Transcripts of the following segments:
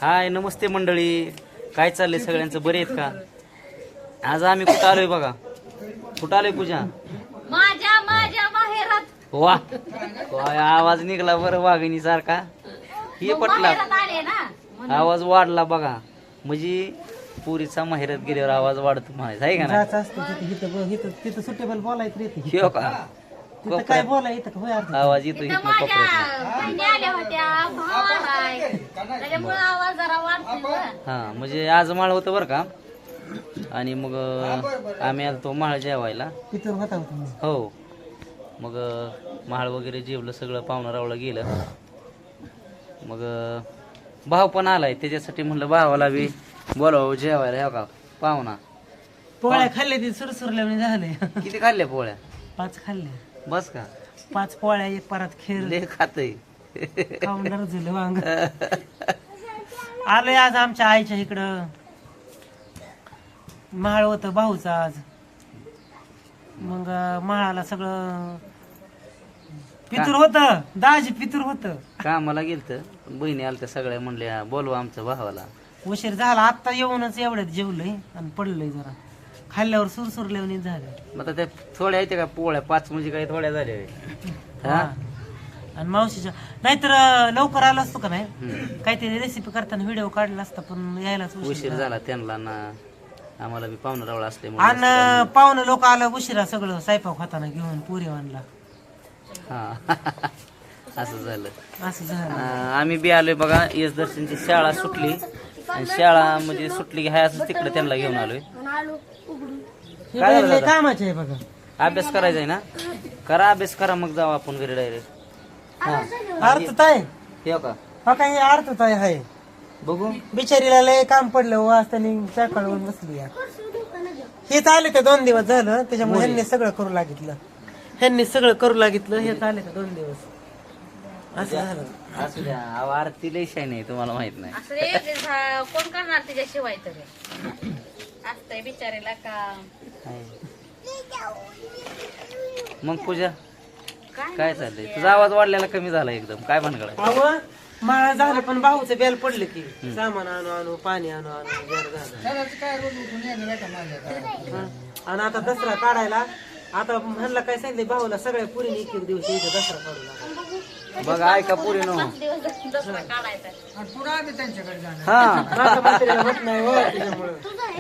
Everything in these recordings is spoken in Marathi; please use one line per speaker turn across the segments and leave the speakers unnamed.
हाय नमस्ते मंडळी, काय चाललंय सगळ्यांचं, बरे आहेत का? आज आम्ही कुठं आलोय बघा, कुठं आलोय पूजा?
माझ्या माहेरात.
वा काय आवाज निघला बरं वाघिणी सारखा, हे पटला
आले ना.
आवाज वाढला बघा, म्हणजे पुरीचा माहेरात गेल्यावर आवाज वाढतो म्हणायचं आहे का ना?
जायचं असतं तिथं सुटेबल बोलायचं रे
हो का?
तिथं काय बोलायचं होय अर्थ.
आवाज येतो
इथं
इथनं
माझ्या
कोपऱ्यातनं.
बहिणी आल्या होत्या, भाव आलाय, त्याच्यामुळे आवाज जरा वाढतोय.
हा म्हणजे आज माळ होतं बरं का, आणि मग आम्ही आलो तो माळ जेवायला.
तिथं होता तुम्ही.
हो मग माळ वगैरे जेवलं सगळं, पाहुणा रावला गेलं. मग भाव पण आलाय, त्याच्यासाठी म्हणलं भावाला बी बोलावं जेवायला. हो का पाहुणा?
पोळ्या खाल्ल्या ती सुरसुरल्या झाले.
किती खाल्ल्या पोळ्या?
5 खाल्ल्या.
बस का?
5 पोळ्या, 1 परत खेळ
ले खातय.
खाऊन झालं वांग. आलोय आज आमच्या आईच्या इकडं, महाळ होत भाऊचं आज. मग महाळाला सगळं पितूर होत, दाजी पितूर होत.
कामाला गेलत, बहिणी आलत्या सगळ्या, म्हणल्या बोलवा आमच्या भावाला.
उशीर झाला, आता येऊनच एवढ्यात जेवलंय आणि पडलंय जरा. खाल्ल्यावर सुरसुरल्यावर झालं.
मग आता त्या थोड्या येते का पोळ्या? 5 म्हणजे काही थोड्या झाल्या होय. हा?
आणि मावशीच्या नाहीतर लवकर आलो असतो का नाही, काहीतरी रेसिपी करताना व्हिडिओ काढला असता, पण यायलाच
उशीर झाला त्यांना ना, आम्हाला बी पाहुणा रावळा असले
आणि पाहुणे लोक आलं उशिरा, सगळं स्वयंपाक होताना घेऊन पुरी आणला.
हा असं झालं.
असं झालं.
आम्ही बी आलोय बघा, यश दर्शनची शाळा सुटली, आणि शाळा म्हणजे सुटली की हाय असं तिकडे त्यांना घेऊन आलोय.
हे बाई लय कामाचे आहे बघा.
अभ्यास करायचा आहे ना, करा अभ्यास करा, मग जाऊ आपण घरी डायरेक्ट. हा
अर्थताय
हे का
हा, काही अर्थताय आहे.
बघू.
बिचारीला लय काम पडलं वाज, त्यांनी सकाळून बसली या. हेच आले का 2 दिवस झालं, त्याच्यामुळे ह्यांनी सगळं करू लागितलं. ह्यांनी सगळं करू लागितलं. हेच आले का 2 दिवस, असं झालं.
असू द्या, अहो, आरती लय शाय नाही, तुम्हाला माहित नाही.
असं रे, कोण करणार तिच्याशिवाय तरी असतंय बिचारीला काम.
मग पूजा काय चाललंय? तुझा आवाज वाढलेला कमी झाला एकदम, काय भानगड आहे?
अहो मला झालं, पण भाऊचं बेल पडलं की सामान आणू आणू, पाणी आणू आणू जर झालं. आणि आता दसरा काढायला, आता म्हणलं काय सांगितलं भाऊला, सगळ्या पुरीने एक दिवशी इथं दसरा काढू लागला.
बघा ऐका पुरी नो.
दसरा काढायचा.
हा
होत नाही हो, त्याच्यामुळं.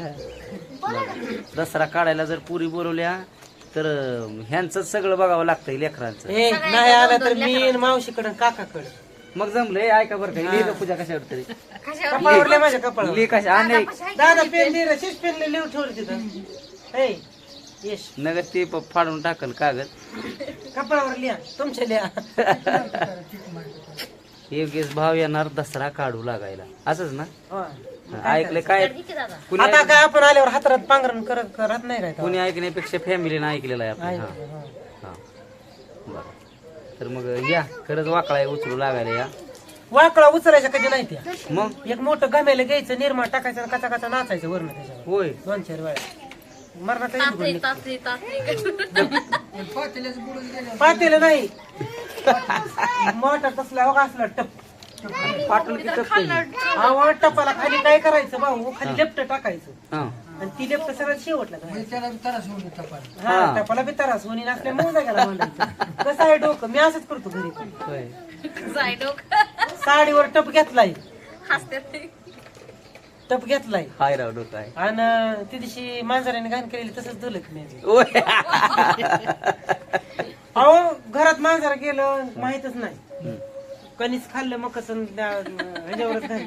दसरा काढायला जर पुरी बोलवल्या तर ह्यांचं सगळं बघावं लागतंय, लेकरांचं.
ए नाही आला तर मी आणि मावशीकडं काकाकडं.
मग जमलंय, ऐका बरं का, लिहिलं पूजा कशावर तरी
कपाळावर लय माझ्या कपाळावर.
लिहि कशा नाही
दादा पेन दे रे, शिश पेन लिहून ठेवलं तिथं. ए यश
नगर ते फाडून टाकल कागद.
कपाळावर लिहा, तुमच्या लिहा.
योगेश भाव येणार दसरा काढू लागायला, असंच ना?
होय.
ऐकलंय काय? कुणी
आता काय आपण आल्यावर हातात पांघरण करत नाही काय
कुणी ऐकण्यापेक्षा फॅमिलीनं ऐकलेलं आहे आपण. हा बरं, तर मग या, खरंच वाकळा उचलू लागायला या.
वाकळा उचलायचा कधी नाही त्या.
मग
एक मोठं गमेला घ्यायचं, निर्मा टाकायचं, कचा कचा नाचायचं वरण त्याच्यावर
होय
2-4 वेळा. मरणाचा
तासरी
पातेलं नाही, मोठा तसला बघा असला टप.
पाठवून किती
आवा टपाला खाली काय करायचं भाऊ, खाली लेफ्ट टाकायचं,
हा
आणि ती लेफ्ट सगळं शेवटला हा, टपाला बी तरास होणी नसल्या मोजा गेला म्हणायचं. कसं आहे डोकं, मी असंच करतो घरी पण.
होय.
जाय डोकं
साडीवर टप घेतलाय,
हसते.
टप घेतलाय,
हाय राव डोकं आहे.
आणि ती दिवशी मांजराने घाण केलेली तसंच दिलं की नाही.
होय.
अहो घरात मांजर गेलं माहितच नाही, कणीस खाल्लं मग कसं ह्याच्यावरच घाण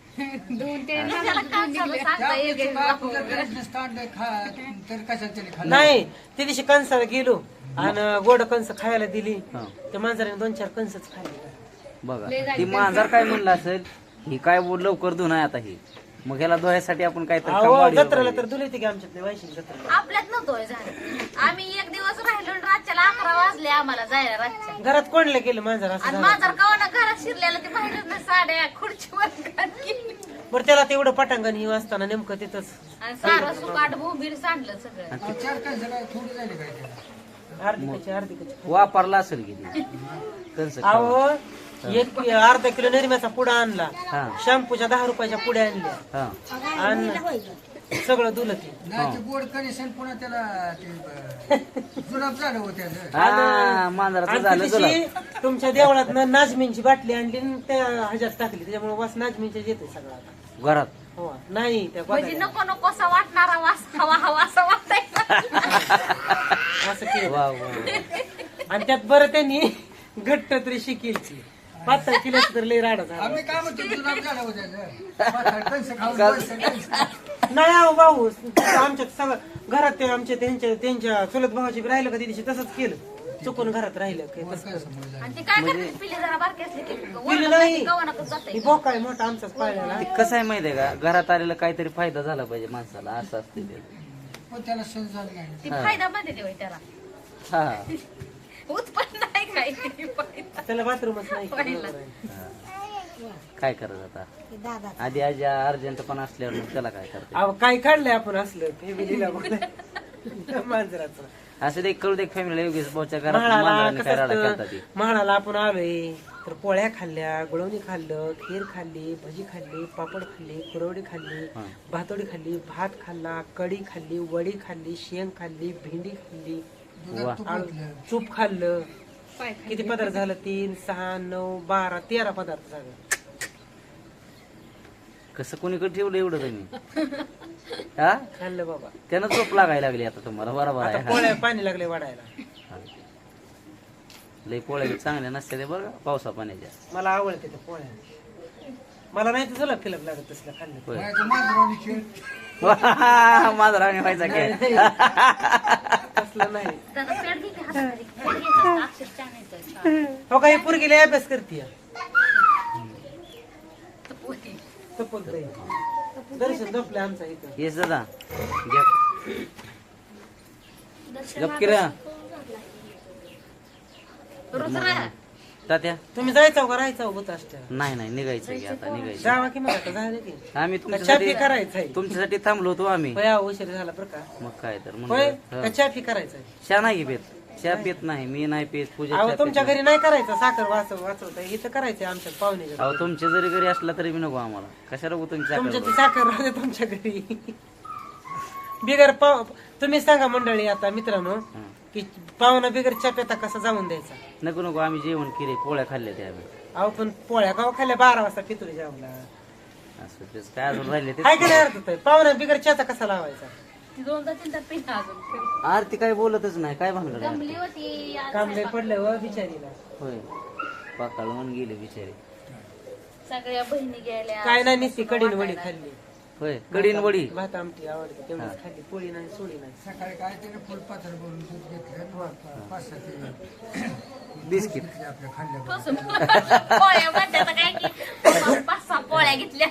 नाही. ती दिवशी कणसाला गेलो आणि गोड कंस खायला दिली, त्या मांजराने 2-4 कंसच खाल्ले.
बघा ती मांजर काय म्हणलं असेल, ही काय लवकर धुन आहे आता ही, मग ह्याला धुवायसाठी आपण काय
जत्रेला तर धुले की आमच्यातले वायशिक जत्रा.
आपल्यात नव्हतोय झालं. आम्ही एक दिवस राहिलो, रातच्याला 11 वाजले आम्हाला जायला. रातच्या
घरात कोणला गेलं मांजर असं
आणि
झालं.
माझा कवाना घरात शिरलेला ते बाहेरच नाही, साड्या खुर्चीवर गेली.
बरं त्याला तेवढं पटांगण ही असताना नेमकं तिथंच
आणि सारं सुकाट भोंबीर सांडलं सगळं.
अर्धिकाची
वापरला असेल की ती. कंस
अहो एक अर्धा किलो निर्म्याचा पुडा आणला,
हा
शॅम्पूच्या 10 रुपयाच्या पुड्या आणल्या
हा
आणि सगळं धुलं ते.
गोड कनेक्शन पुन्हा त्याला ते जुलाब झालं होतं
हा मांजराचं
आणि
झालं तुला
तिची तुमच्या देवळात नाजमींची बाटली आणली आणि त्या ह्याच्यात टाकली, त्याच्यामुळे वास नाजमींच्या येते सगळा आता.
घरात.
हो नाही त्या
म्हणजे
गोदाड्या.
नको नकोसा वाटणारा वास हवा हवा असा वाटायचा.
असं केलं
वा वा
आणि त्यात बरं त्यांनी घट्ट तरी शिकेलची पातळ किलोच तर लई राडा झाला.
आम्ही काय म्हणतो जुलाब झालं होतं कणसं खाऊन बसं, कणसं.
नाही अहो भाऊ, आमच्यात सगळं घरात ते आमच्या त्यांच्या चुलत भावाची राहिलं का दिवशी तसंच केलं, चुकून घरात राहिलं काय तसं केलं.
आणि ती काय करते पिल्ली जरा बारकी असली की
पिल्ली नाही.
गव्हाणातच जाते.
ही बोका आहे मोठा आमचाच पाळलेला.
ते कसं आहे माहितीये का, घरात आलेला काहीतरी फायदा झाला पाहिजे माणसाला, असं असते ते.
पण त्याला सण झालं नाही.
ती फायदा मध्ये देवाय त्याला
हा
उत्पन्न नाही काय फायदा.
त्याला बाथरूमच नाही
पाहिलं.
काय करायचं आता, आधी आजी अर्जंट पण असल्यावर मग त्याला काय करते.
अहो काय काढलंय आपण असलं फॅमिलीला मांजराचं.
असं ते कळू दे फॅमिलीला योगेश भाऊच्या घरात
म्हाळाला
मांजराने काय राडा केलता ती.
कसं म्हाळाला आपण आलोय तर पोळ्या खाल्ल्या, गुळवणी खाल्लं, खीर खाल्ली, भजी खाल्ली, पापड खाल्ली, कुरवडी खाल्ली,
हा.
भातोडी खाल्ली, भात खाल्ला, कढी खाल्ली, वडी खाल्ली, शेंग खाल्ली, भेंडी खाल्ली,
वा
चूप खाल्लं.
पाय
किती पदार्थ झालं? 3, 6, 9, 12, 13 पदार्थ झालं.
कसं कोणीकडे ठेवलं एवढं तुम्ही हा
खाल्लं बाबा.
त्यानं झोप लागायला लागली आता तुम्हाला. बरोबर
आता
आहे.
पोळ्या पाणी लागले वाढायला.
हा. लई पोळ्या बी चांगल्या नसते ते बरं का, पावसा पाण्याच्या.
मला आवडते त्या पोळ्या. मला नाही तर तुला फिलप लागत तसलं खाल्लं.
होय.
बाहेरचं मांजरावणी खेळ.
माझा राणी व्हायचा काय.
तसलं नाही.
त्याचा पेट घे की हाताखाली. पेट घ्यायचं, अक्षर छान येतं.
हो काही पोरगीला अभ्यास करते
तर पोरी.
तपलतंय. दर्शन झोपले आमचा इथं.
येस दादा गप किरा
रोज राहा.
तात्या.
तुम्ही जायचं का राहायचं होत असत्या?
नाही नाही निघायचं की आता निघायचं.
जावा की मग आता झालं की
आम्ही
का चाफी
तुमच्यासाठी
करायचंय?
तुमच्यासाठी थांबलो होतो आम्ही.
होय अहो, उशीर झाला बरं का.
मग काय तर
होय
म्हणलं
का चाफी करायचंय?
चहा नाही पेत. चहा पेत नाही मी, नाही पेत पूजा
अहो
चहा
तुमच्या
पेत नाही.
घरी नाही करायचं साखर वाचवत इथं करायचंय आमच्या पाहुण्याच्या.
अहो तुमच्या जरी घरी असला तरी बी नको आम्हाला. कशाला नको तुमच्या
तुमच्या ती
साखर
साखर राहते तुमच्या घरी. बिगर तुम्ही सांगा मंडळी आता मित्रांनो
हं.
की पाहुणा बिगर चाप्याता कसा जाऊन द्यायचा.
नको नको आम्ही जेवण केले, पोळ्या खाल्ल्या त्या आम्ही.
अहो पण पोळ्या गाव खाल्ल्या 12 वाजता पितुरी जेवला.
असं तेच काय अजून राहिले ते.
काय काय अर्थ होतंय? पाहुणा बिगर चहाचा कसा लावायचा?
ती 2-3 पिल्ला अजून
आरती काय बोलतच नाही, काय भानगड आहे?
जमली होती आज
काम लय पडलं व बिचारीला.
होय पाकाळून गेले बिचारे.
सगळ्या बहिणी गेल्या.
काय नाही नुसती कडीन वडी खाल्ली.
होय कडीन वडी.
भात आमटी आवडते तेवढीच खाल्ली. पोळी नाही सोडी नाही.
सकाळी काय त्याने फुलपात्र भरून दूध घेतलं 5-6 किलो
बिस्किट.
आपल्या खाल्ल्या
टोचून. पोळ्या म्हणतात काय की 5-6 पोळ्या घेतल्या.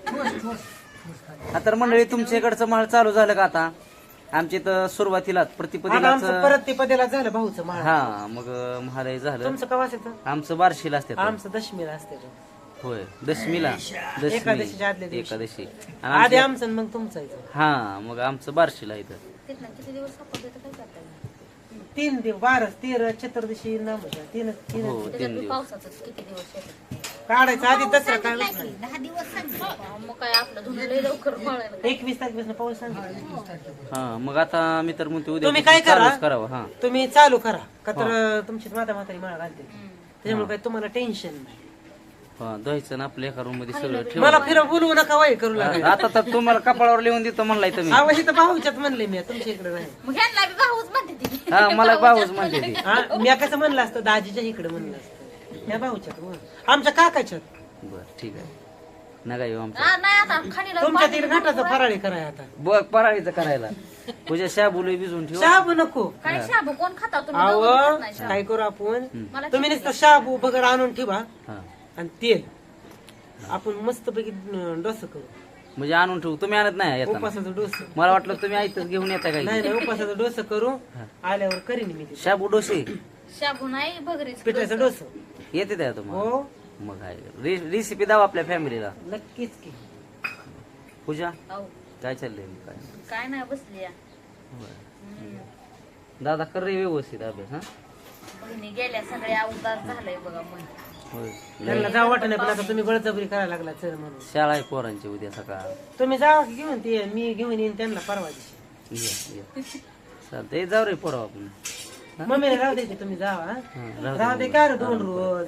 हा तर मंडळी तुमच्या इकडचं महाळ चालू झालं का आता? आमच्या इथं सुरुवातीला
आता
प्रतिपदिलाच.
आमचं परत ते पदेला झालं भाऊचं महाळ.
हा मग महालय झालं.
तुमचं कवाच येतं?
आमचं बार्शीला असते.
आमचं दशमीला असते तो.
होय दशमीला.
एकादशीच्या आदल्या दिवशी.
एकादशी. आणि
आधी
आमच्या-
आमचं आणि मग तुमचं येतं.
हा मग आमचं बार्शीला इथं.
तिथनं किती दिवस सापडले तर काय करता येईल?
3 दिवस 12 13 चतुर्दशी नाम तीन
हो
त्याच्यात
3
बी
दिवस.
पावसाचं किती दिवस येतं.
काढायचं आधी दसरा काय नाही.
मग काय आपलं धुणं लय लवकर मळायला.
21 तारखेपासून पाऊस सांगितलं.
हा मग आता मी तर म्हणतो उद्या
तुम्ही काय करा?
चालूच करावं. हा
तुम्ही चालू करा का तर तुमची म्हातारी माळ घालते त्याच्यामुळे काही तुम्हाला टेन्शन नाही.
हा द्यायचं ना आपल्या एका रूम मध्ये सगळं ठेव.
मला फिरव बोलवू नका वाई करू लागेल.
आता तर तुम्हाला कपाळावर लिहून देतो म्हणलाय तुम्ही.
आवाज इथं भाऊच्यात म्हणले मी तुमच्या इकडे नाही.
मग ह्यांना बी भाऊच म्हणते ती.
हा मला भाऊच म्हणते ती.
हा मी कसं म्हणलं असतं दाजीच्या इकडे म्हणलं असतं. या भाऊच्यात म्हण. आमच्या काकाच्यात.
बर ठीक आहे नका येऊ आमच्या.
हा, नाही आता खाणीला
तुमच्या तिकडे घाटाचं फराळी कराय आता.
बघ पराळीचं करायला तुझ्या शाबुले भिजून ठेव.
शाबू नको.
काय शाबू कोण खाता तुम्ही?
आव
दोघं खात नाही शाबू.
काय करू आपण
मला
तुम्ही नुसतं शाबू बगर आणून ठेवा
हा
आणि तेल आपण मस्त पैकी डोसं करू.
म्हणजे आणून ठेवू. तुम्ही आणत नाही येताना.
उपासाचं डोसं.
मला वाटलं तुम्ही आयतच घेऊन येता
नाही
काय.
नाही उपासाचं डोसं करू आल्यावर करीन मी ते.
शाबू डोसे
शाबू नाही भगरीच
पिठाचं डोसं.
येते त्या तुम्हाला.
हो
मग काय रेसिपी दाव आपल्या फॅमिलीला.
नक्कीच की.
पूजा
अहो,
काय चाललंय मग काय.
काय नाही बसली या.
दादा कर रे व्यवस्थित अभ्यास. हा
बहिणी गेल्या सगळ्या उदास झालंय बघा मन.
होय
त्यांना जावं वाटत नाही, पण आता तुम्ही बळजबरी करायला लागला चल म्हणून.
शाळा आहे पोरांची उद्या सकाळ.
तुम्ही जावा की घेऊन ते, मी घेऊन येईन त्यांना परवा दिवशी.
ये चालतंय जाऊ रे पोराव आपण.
मम्मीला राहू दे की तुम्ही जावा हा?
राहू
राहू दे का रे 2 रोज.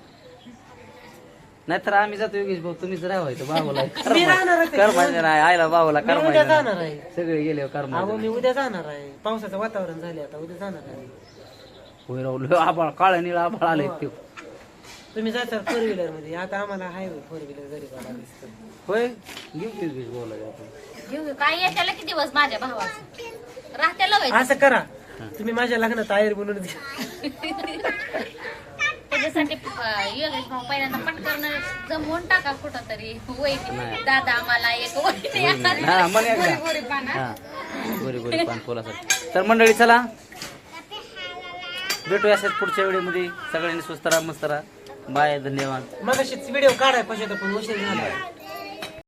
नाहीतर आम्ही जातो योगेश भाऊ, तुम्हीच राहायचं भावाला.
मी राहणारच आहे.
कर म्हणजे नाही आईला भावाला
मी
कर
उद्या
म्हणजे
जाणार आहे.
सगळे गेले कर
अहो मी उद्या जाणार आहे, पावसाचं वातावरण झाले आता, उद्या जाणार आहे.
होय राहुल आभाळ काळ निळा आभाळ आले ते.
तुम्ही जाता 4 व्हीलर मध्ये, आता आम्हाला हायवे 4 व्हीलर घरी बघा दिसतं.
होय घेऊ की योगेश भाऊला आपण.
घेऊ काय येत्याला किती दिवस माझ्या भावाचं राहत्याला व्हायचं.
असं करा, तुम्ही माझ्या लग्नात आयर बनवून द्या.
त्याच्यासाठी योगेश भाऊ पहिल्यांदा पटकन जमवून टाका कुठं तरी वहिनी दादा आम्हाला एक वहिनी
हा म्हणे एकदा.
गोरी पाना.
हा गोरी गोरी पान फुलासाठी. तर मंडळी चला भेटूया असेच पुढच्या व्हिडिओमध्ये. सगळ्यांनी स्वस्त राहा, मस्त राहा. बाय, धन्यवाद.
मग व्हिडिओ काढाय पाहिजे पण उशीर झाला.